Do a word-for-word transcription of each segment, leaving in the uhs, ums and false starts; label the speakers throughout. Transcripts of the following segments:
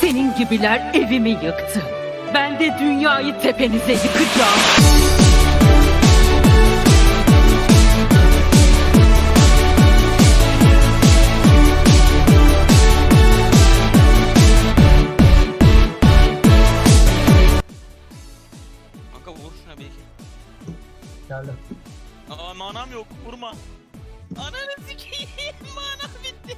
Speaker 1: Senin gibiler evimi yıktı. Ben de dünyayı tepenize yıkacağım.
Speaker 2: Kanka vur şuna belki.
Speaker 3: Geldim.
Speaker 2: Aa manam yok, vurma. Ananı sikeyim, manam bitti.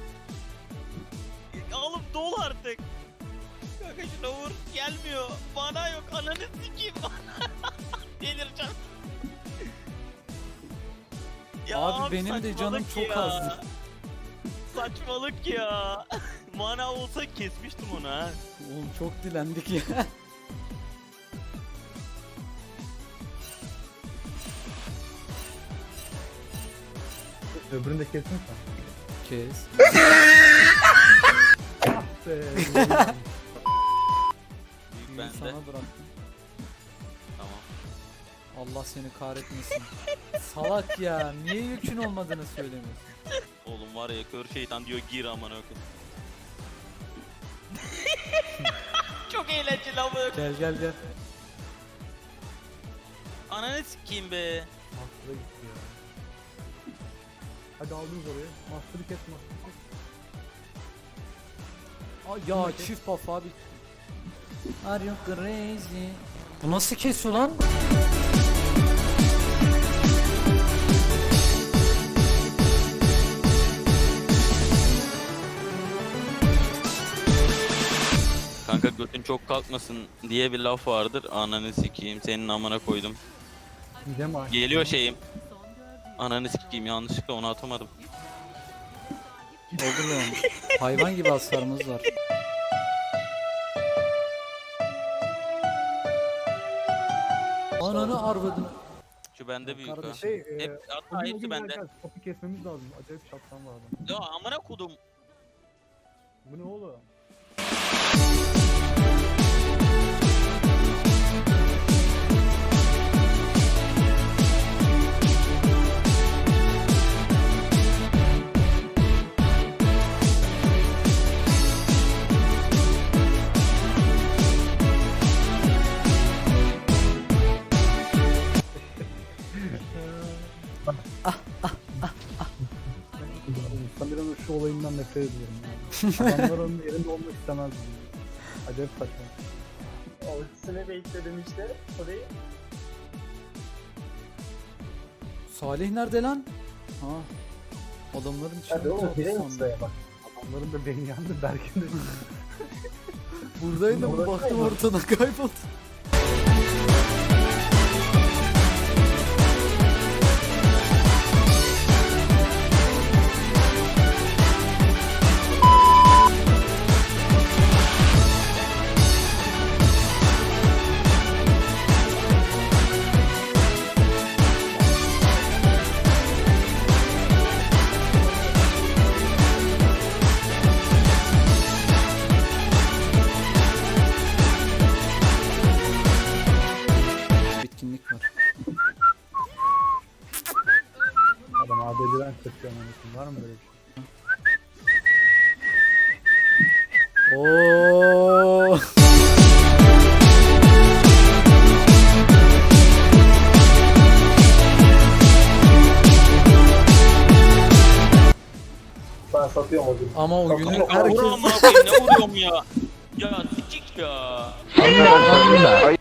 Speaker 2: Alıp dol artık. Kanka şuna vur, gelmiyor. Mana yok, ananı sikeyim. Delireceğim. Ya
Speaker 4: Abi benim de canım
Speaker 2: saçmalık
Speaker 4: çok
Speaker 2: ya.
Speaker 4: azdı.
Speaker 2: Saçmalık ya. Mana olsa kesmiştim onu ha.
Speaker 4: Oğlum çok dilendik ya.
Speaker 3: Öbürünü de kestin sen.
Speaker 4: Kes.
Speaker 3: Ah be.
Speaker 2: Büyük
Speaker 4: Büyüğü
Speaker 2: bende.
Speaker 4: sana bıraktım.
Speaker 2: Tamam.
Speaker 4: Allah seni kahretmesin. Salak ya. Niye yükün olmadığını söylemiyorsun?
Speaker 2: Oğlum var ya, kör şeytan diyor gir aman ökü. Çok eğlenceli ama.
Speaker 4: Gel gel gel.
Speaker 2: Ananı sikeyim be.
Speaker 3: Master'a gitti ya. Hadi aldınız oraya. Master'ı kes, Master'ı kes.
Speaker 4: Ay ya çift buff abi. Are you crazy? Bu nasıl kesiyor lan?
Speaker 2: Kanka götün çok kalkmasın diye bir laf vardır. Ananı sikeyim, senin amına koydum.
Speaker 3: Gidem abi.
Speaker 2: Geliyor şeyim. Ananı sikeyim, yanlışlıkla onu atamadım.
Speaker 4: Olur oğlum. Hayvan gibi hasarımız var. Ananı arvadını.
Speaker 2: Şu bende büyük ha.
Speaker 4: Kardeşim.
Speaker 3: Şey, e,
Speaker 2: Hep, hatta
Speaker 3: bugün
Speaker 2: hepsi
Speaker 3: bugün
Speaker 2: bende.
Speaker 3: geleceğiz. Topu kesmemiz lazım. Acayip şaptan var adam.
Speaker 2: Ya amına kodum.
Speaker 3: Bu ne oğlum? Samira'nın şu olayından nefret ediyorum yani. Adamlar onun yerinde olmak istemez. Acayip saçma.
Speaker 5: Ultisine bekledim işte orayı.
Speaker 4: Salih nerede lan? Ha. Adamların içine
Speaker 5: Hadi oğlum
Speaker 4: tuttu
Speaker 5: girelim
Speaker 4: sandım.
Speaker 5: sıraya bak.
Speaker 3: Adamların da beni yandı, Berk'in de
Speaker 4: Buradaydım
Speaker 5: Orada
Speaker 4: baktım
Speaker 5: kayboldu.
Speaker 4: ortadan kayboldu. Bitkinlik var.
Speaker 3: adam A D C'den kaçıyor anasını. Var mı böyle bir şey?
Speaker 4: Oo.
Speaker 5: Ben satıyorum o gün.
Speaker 4: Ama o günün
Speaker 2: Kanka vur
Speaker 4: herkes
Speaker 2: amına koyayım, ne vuruyorum ya. Ya sikik ya.